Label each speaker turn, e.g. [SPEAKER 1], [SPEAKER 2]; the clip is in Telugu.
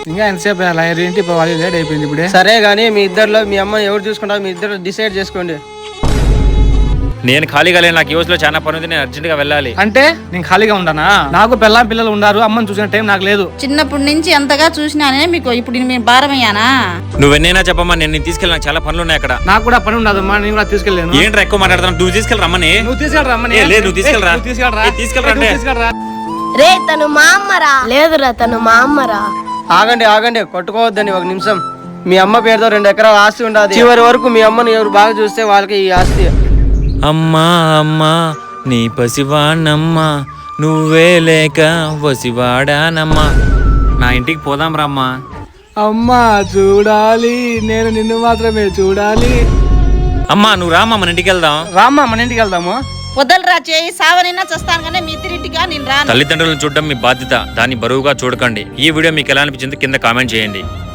[SPEAKER 1] ఇంకా ఎంతసేపు ఏంటి వాళ్ళు లేట్ అయిపోయింది ఇప్పుడే.
[SPEAKER 2] సరే గానీ మీ ఇద్దరిలో మీ అమ్మ ఎవరు చూసుకుంటారో మీ ఇద్దరు డిసైడ్ చేసుకోండి.
[SPEAKER 3] నేను ఖాళీగా లేను, నాకు యూఎస్ లో చాలా పని ఉంది, నేను అర్జెంట్ గా వెళ్ళాలి.
[SPEAKER 1] అంటే నేను ఖాళీగా ఉంటానా? నాకు పిల్లలు ఉన్నారు, అమ్మని చూసిన టైం నాకు లేదు.
[SPEAKER 4] చిన్నప్పటి నుంచి ఎంతగా చూసినానే మీకు ఇప్పుడు నేను భారమయ్యానా?
[SPEAKER 3] నువ్వెన్నైనా చెప్పమ్మా, నేను తీసుకెళ్ళి నాకు చాలా పనులు ఉన్నాయి అక్కడ.
[SPEAKER 1] నాకు కూడా పని ఉండదమ్మా, నేను కూడా తీసుకెళ్ళాను.
[SPEAKER 3] ఏంట్రా ఎక్కువ మాట్లాడుతున్నావు? నువ్వు తీసుకెళ్ళరమ్మని.
[SPEAKER 1] నువ్వు తీసుకెళ్ళరా?
[SPEAKER 3] లేదు నువ్వు తీసుకెళ్ళరా.
[SPEAKER 5] రే తను మా అమ్మరా. లేదురా తను మా అమ్మరా.
[SPEAKER 2] ఆగండి కొట్టుకోవద్దని ఒక నిమిషం. మీ అమ్మ పేరుతో 2 ఎకరాల ఆస్తి ఉండదు. చివరి వరకు మీ అమ్మని ఎవరు బాగా చూస్తే వాళ్ళకి ఈ ఆస్తి.
[SPEAKER 3] అమ్మా అమ్మా నీ పసివాణమ్మా, నువ్వే లేక వసివాడానమ్మా. నా ఇంటికి పోదాం రమ్మా.
[SPEAKER 1] అమ్మా చూడాలి, నేను నిన్ను మాత్రమే చూడాలి.
[SPEAKER 3] అమ్మా నువ్వు రామ్మా, మన ఇంటికి వెళ్దాం.
[SPEAKER 1] రామ్మా మన ఇంటికి వెళ్దాము.
[SPEAKER 4] వదలరా చేయి, సావనైనా చస్తాను కానీ మీ ఇద్దరింటిగా నేను రాను.
[SPEAKER 3] తల్లిదండ్రులను చూడడం మీ బాధ్యత, దాన్ని బరువుగా చూడకండి. ఈ వీడియో మీకు ఎలా అనిపించింది కింద కామెంట్ చేయండి.